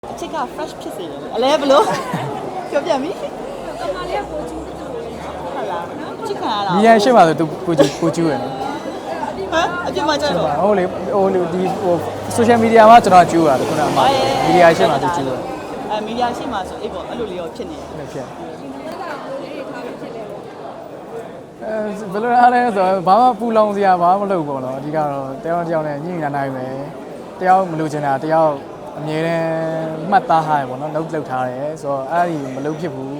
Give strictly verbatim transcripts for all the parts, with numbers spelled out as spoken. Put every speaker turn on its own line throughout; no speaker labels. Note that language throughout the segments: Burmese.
အချစ်က fresh ဖြစ်စေတယ်အလဲဘလို့ပြောပြမိကမလေးကပိုကျူးတယ်ဟုတ်လားအချစ်ခံရတာ
ညီရန်ရှိမှဆိုသူပိုကျူးပိုကျူးရယ်နော်
ဟမ်အပြစ်မှကြတော့
ဟုတ်လေဟိုဒီဟို social media မှာကျွန်တော်ကျူးတာခုနကအမမီဒီယာရှိမှသူကျူးတယ်
အဲမီဒီယာရှိမှဆိုအေးပေါ့အဲ့လိုလေးရောဖြစ်နေတယ်
ဖြစ်အဲဘယ်လိုအားလဲဆိုတော့ဘာမှပူလောင်စရာဘာမှမလုပ်ဘူးပေါ့နော်အဓိကတော့တယောက်တစ်ယောက်နဲ့ညှိနှိုင်းနိုင်မယ်တယောက်မလို့ချင်တာတယောက်အမြဲတမ်းမှတ်သားထားရပေါ့နော်လောက်လောက်ထားတယ်ဆိုတော့အဲ့ဒီမလုပ်ဖြစ်ဘူး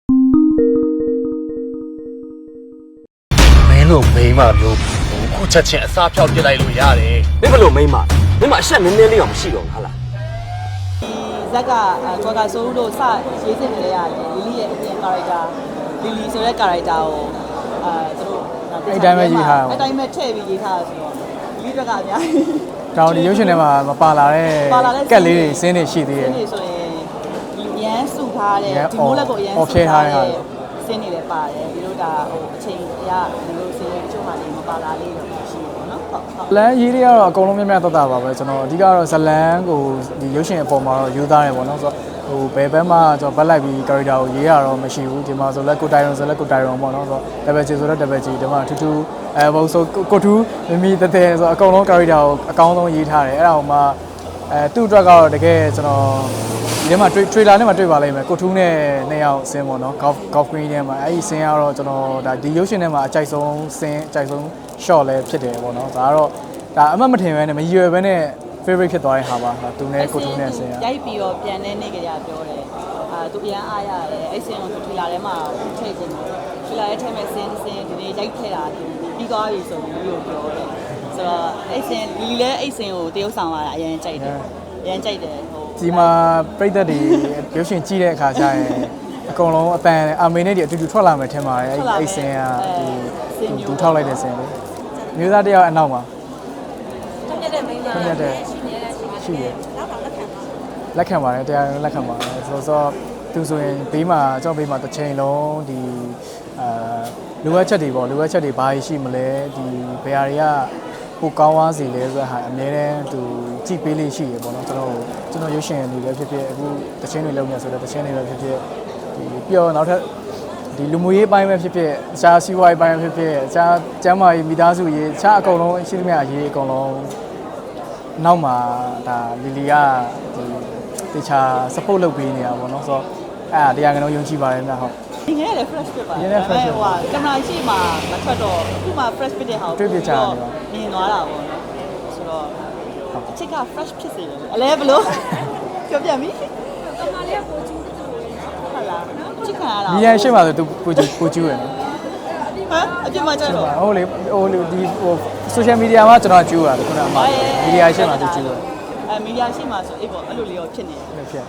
မင်းတို့မိန်းမမျိုးခုချက်ချင်းအစားဖြောက်ပြစ်လိုက်လို့ရတယ်
မင်းဘလို့မိန်းမမိန်းမအဆက်နည်းနည်းလေးတော့မရှိတော့ဘူးဟာလား
ဇက်ကကျော်ကဆိုးတို့စရေးစစ်နေရတယ်လီလီရဲ့အပြင် character လီလီဆိုတဲ့ character ကိုအာသူတို့
အဲ့တိုင်းပဲရေးထားတာ
အဲ့တိုင်းပဲထည့်ပြီးရေးထားတာဆိုတော့လီဘက်ကအများကြီး
တောင်ဒီရုပ်ရှင်ထဲမှာမပါလာတဲ့ကက်လေးတွေစင်းနေရှိသေးတယ်
စင်းနေဆိုရင်ဒီရန်စုထားတဲ့ဒီမိုးလက်ကိုရန်စုထားတဲ့စင်းနေလည်းပါတယ်ဒီတို့ကဟိုအချိန်အရဒီလိုစင်းတချို့ဟာလေးမပါလာလေးတော့ရှိတယ်ပေါ့နော်ဟုတ်ဟုတ်
လမ်းရေးတွေကတော့အကုန်လုံးမြတ်မြတ်တတ်တာပါပဲကျွန်တော်အဓိကတော့ဇလန်းကိုဒီရုပ်ရှင်အပေါ်မှာတော့ယူသားတယ်ပေါ့နော်ဆိုတော့ဟိုဘယ်ဘက်မှကျွန်တော်ဘက်လိုက်ပြီး character ကိုရေးရတော့မရှိဘူးဒီမှာဆိုလက်ကိုတိုင်ရုံဆိုလက်ကိုတိုင်ရုံပေါ့နော်ဆိုတော့ double G ဆိုတော့ double G ဒီမှာထူးထူးအဲဘုံဆိုကိုထူးမမီတတဲ့ဆိုတော့အကုန်လုံး character ကိုအကောင်းဆုံးရေးထားတယ်အဲ့ဒါဟိုမှာအဲသူ့အတွက်ကတော့တကယ်ကျွန်တော်ဒီမှာ trailer နဲ့မှတွေ့ပါလိမ့်မယ်ကိုထူးနဲ့နှစ်ယောက်ဆင်းပေါ့နော် golf golf green ထဲမှာအဲ့ဒီဆင်းကတော့ကျွန်တော်ဒါဒီရုပ်ရှင်ထဲမှာအကြိုက်ဆုံးဆင်းအကြိုက်ဆုံး shot လည်းဖြစ်တယ်ပေါ့နော်ဒါကတော့ဒါအမှတ်မထင်ပဲနဲ့မရွယ်ပဲနဲ့ favorite ဖြစ်သွားတဲ့ဟာပါသူနဲ့ကိုထူးနဲ့ဆင်းရ
ရိုက်ပြီးတော့ပြန်နေနေကြရပြောတယ်အာသူအရန်အားရတယ်အဲ့ဆင်းကိုသူ trailer ထဲမှာထည့်ကုန်တယ် trailer ထဲမှာဆင်းဆင်းဒီနေ့ရိုက်ထည့်တာပြီးသွားပြီဆိုပြီးပြောတယ်ဆိုတော့အဲ့ဆင်းလီလီလည်းအဲ့ဆင်းကိုတရုပ်ဆောင်လာတာအရင်ကြိုက်တယ်အရင်ကြိုက်တယ်ဟို
ဒီမှာပြိသက်တွေရုပ်ရှင်ကြည့်တဲ့အခါကျရင်အကုန်လုံးအတန်အမေနဲ့ဒီအတူတူထွက်လာမယ်ထင်ပါတယ်အဲ့အဲ့ဆင်းကဒီသူထောက်လိုက်တဲ့ဆင်းလေမျိုးသားတယောက်အနောက်မှာ
တက်တဲ့မိန်းမ
တက်ရှိနေရှိတယ်လက်ခံပါတယ်တရားလက်ခံပါတယ်ဆိုတော့သူဆိုရင်ဘေးမှာကျွန်တော်ဘေးမှာတစ်ချိန်လုံးဒီအာလိုအပ်ချက်တွေပေါ့လိုအပ်ချက်တွေဘာရှိမလဲဒီဘယ်ဟာတွေကပိုကောင်းသွားစီလဲဆိုတော့ဟာအများတန်းသူကြည့်ပေးလေးရှိရပေါ့နော်ကျွန်တော်ကျွန်တော်ရုပ်ရှင်တွေလည်းဖြစ်ဖြစ်အခုတချင်းတွေလုပ်နေဆိုတော့တချင်းတွေပဲဖြစ်ဖြစ်ဒီပြီးတော့နောက်ထပ်ဒီလူမျိုးရေးပိုင်းပဲဖြစ်ဖြစ်အခြားစီးပွားရေးပိုင်းပဲဖြစ်ဖြစ်အခြားကျမ်းမာရေးမိသားစုရေးအခြားအကုန်လုံးရှိသမျှရေးအကုန်လုံးနောက်မှာဒါလီလီကဒီတခြား support လုပ်ပေးနေတာပေါ့နော်ဆိုတော့အဲ့ဒါတရားကတော့ယုံကြည်ပါတယ်ဗျဟုတ်
ဒီငယ်လည်း fresh ဖြစ်ပါတယ်ဟိုကကင်မရာရှိမှမထွက်တော့ခုမှ fresh ဖြစ်တဲ့ဟာကို
တွေ့ပြချတယ်
မြင်သွားတာပေါ့နော်ဆိုတော့အချစ်က fresh ဖြစ်စေတယ်အလဲဘလို့ပြောပြမိကမလေးကပိုကျူးတယ်ဟုတ်လားအချစ်ခံရတာ
ညီရန်ရှိမှဆိုသူပိုကျူးပိုကျူးရယ်နော်
ဟမ်အပြစ်မှကြတော့
ဟုတ်လေဟိုဒီဟို social media မှာကျွန်တော်ကျူးတာခုနကအမမီဒီယာရှိမှသူကျူးတယ်
အဲမီဒီယာရှိမှဆိုအေးပေါ့အဲ့လိုလေးရောဖြစ်နေ
တယ်ဖြစ်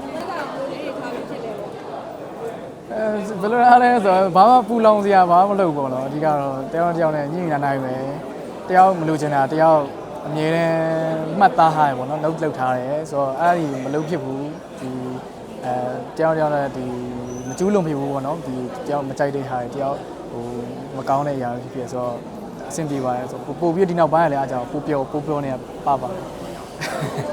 အဲဘယ်လိုအားလဲဆိုတော့ဘာမှပူလောင်စရာဘာမှမလုပ်ဘူးပေါ့နော်အဓိကတော့တယောက်တစ်ယောက်နဲ့ညှိနှိုင်းနိုင်မယ်တယောက်မလို့ချင်တာတယောက်အမြဲတမ်းမှတ်သားထားရပေါ့နော်လောက်လောက်ထားတယ်ဆိုတော့အဲ့ဒီမလုပ်ဖြစ်ဘူးဒီအဲတယောက်တစ်ယောက်နဲ့ဒီမကျူးလုံဖြစ်ဘူးပေါ့နော်ဒီတယောက်မကြိုက်တဲ့ဟာတယောက်ဟိုမကောင်းတဲ့အရာဖြစ်ဖြစ်ဆိုတော့အဆင်ပြေပါတယ်ဆိုပို့ပို့ပြီးဒီနောက်ပိုင်းကလည်းအားကြောင့်ပို့ပြောပို့ပြောနေပါပါတယ်